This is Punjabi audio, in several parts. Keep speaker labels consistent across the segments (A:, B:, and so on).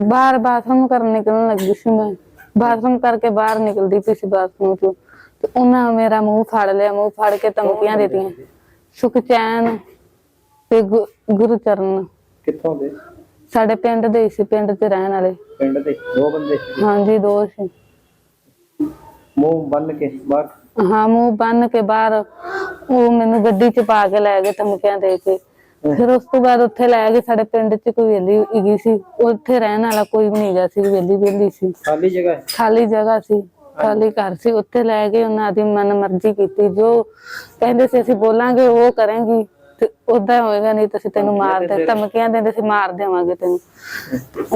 A: बाहर बाथरूम करने निकलने लगी सी, मैं बाथरूम करके बाहर निकलती पी सी बाथरूम चो, तो उन्हें मेरा मुंह फाड़ लिया। मुंह फाड़ के धमकियां देती। सुखचैन ते गुरचरण
B: कित्थों दे?
A: साडे पिंड दे सी, पिंड च रहन वाले।
B: पिंड दे दो बंदे?
A: हाँ जी, दो सी।
B: मुंह बन के बाहर?
A: हाँ, मुंह बन के बाहर। वो मैनू गड्डी च पा के लै गए धमकियां दे के। फिर उस तो बाद उत्थे लै गए, साडे पिंड च कोई वेली हैगी सी, उत्थे रहन वाला कोई भी नहीं गा सी, वेली वेली सी।
B: खाली जगह?
A: खाली जगह सी, खाली घर सी। उत्थे लै गए, उन्हां दी मन मर्जी कीती, जो कहंदे सी असीं बोलांगे वो करेंगी, ते उदां होएगा, नहीं ते असीं तैनूं मार दे। धमकियां दिंदे सी, मार देवांगे तैनूं।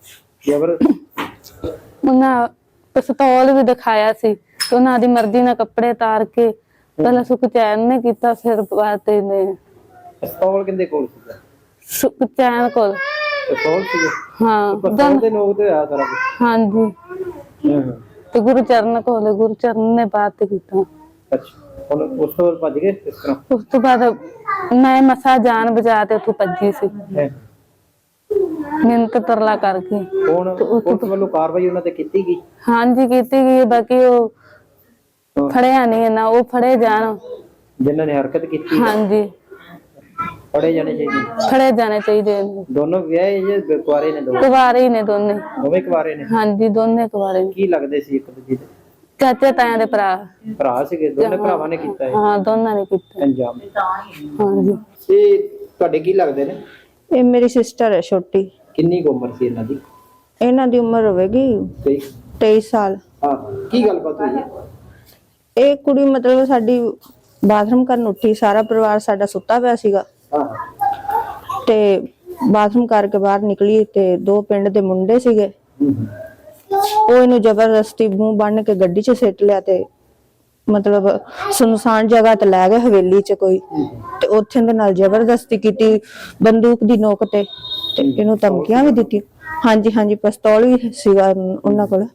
A: उन्हां पिस्तौल भी दिखाया सी, ते उन्हां दी मर्जी नाल कपड़े तार के पहला सुखचैन ने कीता, फिर बाद ने।
B: पिस्तौल किंदे कोल सी?
A: सुखचैन कोल।
B: पिस्तौल सी?
A: हाँ,
B: पिस्तौल दे लोग ते आ सारा कुछ।
A: हाँ जी। ते गुरचरण कोल, गुरचरण ने बात कीता।
B: अच्छा, हुण उस तो भज गए किस तरह? उस
A: तो बाद मैं मसा जान बचा के उत्थों भजी सी, मिन्नत तरला करके।
B: हुण पुलिस वालों कार्रवाई उन्हां ते कीती गई?
A: हाँ जी, कीती गई। बाकी वो फड़िया नहीं ना, वो फड़े जान
B: जिन्हां ने हरकत कीती।
A: हाँ जी,
B: फड़े जाने चाहिए।
A: फड़े जाने चाहिए।
B: दोनों विआहे जे कुआरे ने?
A: कुवारे ही ने दोने।
B: दोवें कुआरे ने?
A: हाँ जी, दोने कुवारे ने।
B: की लगदे सी एक दूजे दे?
A: चाचे ताया दे भरा।
B: भरा सीगे दोने? भरावां ने कीता है?
A: हाँ, दोनों ने कीता
B: अंजाम।
A: हाँ जी।
B: ये तुहाडे की लगदे ने?
C: ये मेरी सिस्टर है छोटी।
B: किन्नी क उम्र सी इन्हां दी?
C: इन्हां दी उम्र होवेगी 23 साल।
B: हाँ, की गलबात हुई है?
C: ਇਹ ਕੁੜੀ ਮਤਲਬ ਸਾਡੀ ਬਾਥਰੂਮ ਕਰਨ ਉੱਠੀ, ਸਾਰਾ ਪਰਿਵਾਰ ਸਾਡਾ ਸੁੱਤਾ ਪਿਆ ਸੀਗਾ ਤੇ ਬਾਥਰੂਮ ਕਰਕੇ ਬਾਹਰ ਨਿਕਲੀ ਤੇ ਦੋ ਪਿੰਡ ਦੇ ਮੁੰਡੇ ਸੀਗੇ, ਉਹ ਇਹਨੂੰ ਜ਼ਬਰਦਸਤੀ ਮੂੰਹ ਬੰਨ ਕੇ ਗੱਡੀ 'ਚ ਸਿੱਟ ਲਿਆ ਤੇ ਮਤਲਬ ਸੁਨਸਾਨ ਜਗ੍ਹਾ ਤੇ ਲੈ ਗਏ, ਹਵੇਲੀ 'ਚ ਕੋਈ, ਤੇ ਉੱਥੇ ਦੇ ਨਾਲ ਜ਼ਬਰਦਸਤੀ ਕੀਤੀ, ਬੰਦੂਕ ਦੀ ਨੋਕ ਤੇ ਇਹਨੂੰ ਧਮਕੀਆਂ ਵੀ ਦਿੱਤੀ। ਹਾਂਜੀ ਹਾਂਜੀ, ਪਿਸਤੌਲ ਵੀ ਸੀਗਾ ਉਹਨਾਂ ਕੋਲ।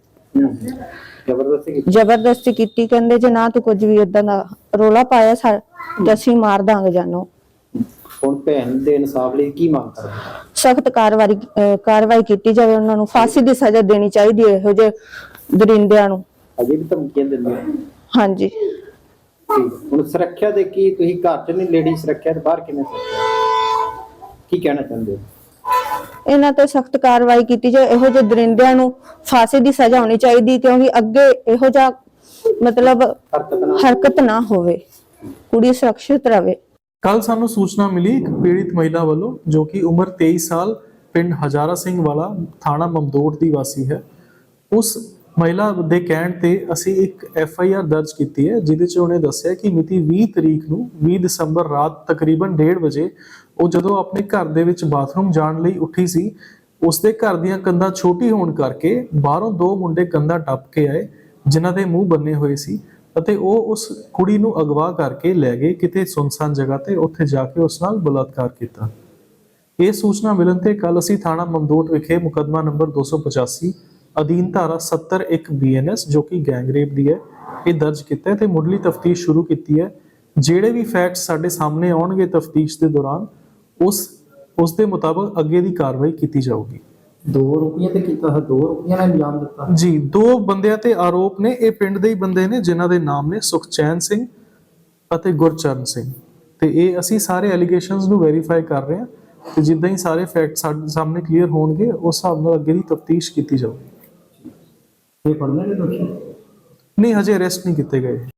C: ਜ਼ਬਰਦਸਤੀ ਕੀਤੀ, ਕਹਿੰਦੇ ਜੇ ਨਾ ਤੂੰ ਕੁਝ ਵੀ ਏਦਾਂ ਦਾ ਰੋਲਾ ਪਾਇਆ ਤੇ ਅਸੀਂ ਮਾਰ ਦਾਂਗੇ ਜਾਨੋਂ।
B: ਹੁਣ ਭੈਣ ਦੇ ਇਨਸਾਫ ਲਈ ਕੀ ਮੰਗ ਕਰਦੇ?
C: ਸਖਤ ਕਾਰਵਾਈ ਕੀਤੀ ਜਾਵੇ, ਉਹਨਾਂ ਨੂੰ ਫਾਂਸੀ ਦੀ ਸਜ਼ਾ ਦੇਣੀ ਚਾਹੀਦੀ ਹੈ ਇਹੋ ਜਿਹੇ ਦਰਿੰਦਿਆਂ ਨੂੰ।
B: ਅਜੇ ਵੀ ਧਮਕੀਆਂ ਦਿੰਦੇ?
C: ਹਾਂਜੀ।
B: ਹੁਣ ਸੁਰੱਖਿਆ ਦੇ ਕੀ ਤੁਸੀਂ ਘਰ 'ਚ ਨਹੀਂ ਲੇਡੀ ਸੁਰੱਖਿਆ ਤੇ ਬਾਹਰ ਕਿਵੇਂ ਸੁਰੱਖਿਆ, ਕੀ ਕਹਿਣਾ ਚਾਹੁੰਦੇ ਹੋ?
C: ਇਹਨਾਂ ਤੇ ਸਖਤ ਕਾਰਵਾਈ ਕੀਤੀ ਜਾਏ, ਇਹੋ ਜਿਹੇ ਦਰਿੰਦਿਆਂ ਨੂੰ ਫਾਂਸੀ ਦੀ ਸਜ਼ਾ ਹੋਣੀ ਚਾਹੀਦੀ, ਕਿਉਂਕਿ ਅੱਗੇ ਇਹੋ ਜਿਹਾ ਮਤਲਬ ਹਰਕਤ ਨਾ ਹੋਵੇ, ਕੁੜੀ ਸੁਰੱਖਿਅਤ ਰਹੇ।
D: ਕੱਲ ਸਾਨੂੰ ਸੂਚਨਾ ਮਿਲੀ ਇੱਕ ਪੀੜਿਤ ਮਹਿਲਾ ਵੱਲੋਂ, ਜੋ ਕਿ ਉਮਰ 23 ਸਾਲ, ਪਿੰਡ ਹਜ਼ਾਰਾ ਸਿੰਘ ਵਾਲਾ, ਥਾਣਾ ਮਮਦੋਟ ਦੀ ਵਾਸੀ ਹੈ। ਉਸ ਮਹਿਲਾ ਦੇ ਕਹਿਣ ਤੇ ਅਸੀਂ ਇੱਕ FIR ਦਰਜ ਕੀਤੀ ਹੈ, ਜਿਹਦੇ 'ਚ ਉਹਨੇ ਦੱਸਿਆ ਕਿ ਮਿਤੀ 20 ਤਰੀਕ ਨੂੰ 20 ਦਸੰਬਰ ਰਾਤ ਤਕਰੀਬਨ 1:30 ਵਜੇ ਉਹ ਜਦੋਂ ਆਪਣੇ ਘਰ ਦੇ ਵਿੱਚ ਬਾਥਰੂਮ ਜਾਣ ਲਈ ਉੱਠੀ ਸੀ, ਉਸਦੇ ਘਰ ਦੀਆਂ ਕੰਧਾਂ ਛੋਟੀ ਹੋਣ ਕਰਕੇ ਬਾਹਰੋਂ ਦੋ ਮੁੰਡੇ ਕੰਧਾਂ ਟੱਪ ਕੇ ਆਏ, ਜਿਨ੍ਹਾਂ ਦੇ ਮੂੰਹ ਬੰਨੇ ਹੋਏ ਸੀ, ਅਤੇ ਉਹ ਉਸ ਕੁੜੀ ਨੂੰ ਅਗਵਾ ਕਰਕੇ ਲੈ ਗਏ ਕਿਤੇ ਸੁੰਨਸਾਨ ਜਗ੍ਹਾ ਤੇ। ਉੱਥੇ ਜਾ ਕੇ ਉਸ ਨਾਲ ਬਲਾਤਕਾਰ ਕੀਤਾ। ਇਹ ਸੂਚਨਾ ਮਿਲਣ ਤੇ ਕੱਲ ਅਸੀਂ ਥਾਣਾ ਮਮਦੋਟ ਵਿਖੇ ਮੁਕੱਦਮਾ ਨੰਬਰ 285 ਅਧੀਨ ਧਾਰਾ 70(1) BNS, ਜੋ ਕਿ ਗੈਂਗਰੇਪ ਦੀ ਹੈ, ਇਹ ਦਰਜ ਕੀਤਾ ਤੇ ਮੁੱਢਲੀ ਤਫਤੀਸ਼ ਸ਼ੁਰੂ ਕੀਤੀ ਹੈ। ਜਿਹੜੇ ਵੀ ਫੈਕਟਸ ਸਾਡੇ ਸਾਹਮਣੇ ਆਉਣਗੇ ਤਫਤੀਸ਼ ਦੇ ਦੌਰਾਨ, ਉਸ ਦੇ ਮੁਤਾਬਕ ਅੱਗੇ ਦੀ ਕਾਰਵਾਈ ਕੀਤੀ ਜਾਊਗੀ।
B: 2 ਰੁਪਈਆ ਤੇ ਕੀਤਾ ਹੈ, 2 ਰੁਪਈਆ ਨਾਲ ਇਲਜ਼ਾਮ ਦਿੱਤਾ
D: ਜੀ। 2 ਬੰਦਿਆਂ ਤੇ ਆਰੋਪ ਨੇ। ਇਹ ਪਿੰਡ ਦੇ ਹੀ ਬੰਦੇ ਨੇ, ਜਿਨ੍ਹਾਂ ਦੇ ਨਾਮ ਨੇ ਸੁਖਚੈਨ ਸਿੰਘ ਅਤੇ ਗੁਰਚਰਨ ਸਿੰਘ, ਤੇ ਇਹ ਅਸੀਂ ਸਾਰੇ ਐਲੀਗੇਸ਼ਨਸ ਨੂੰ ਵੈਰੀਫਾਈ ਕਰ ਰਹੇ ਹਾਂ, ਤੇ ਜਿੱਦਾਂ ਹੀ ਸਾਰੇ ਫੈਕਟ ਸਾਡੇ ਸਾਹਮਣੇ ਕਲੀਅਰ ਹੋਣਗੇ, ਉਸ ਹਿਸਾਬ ਨਾਲ ਅੱਗੇ ਦੀ ਤਫਤੀਸ਼ ਕੀਤੀ ਜਾਊਗੀ।
B: ਇਹ ਫੜਨਾ ਨਹੀਂ ਦੋਸ਼ੀ?
D: ਨਹੀਂ, ਹਜੇ ਅਰੈਸਟ ਨਹੀਂ ਕੀਤੇ ਗਏ।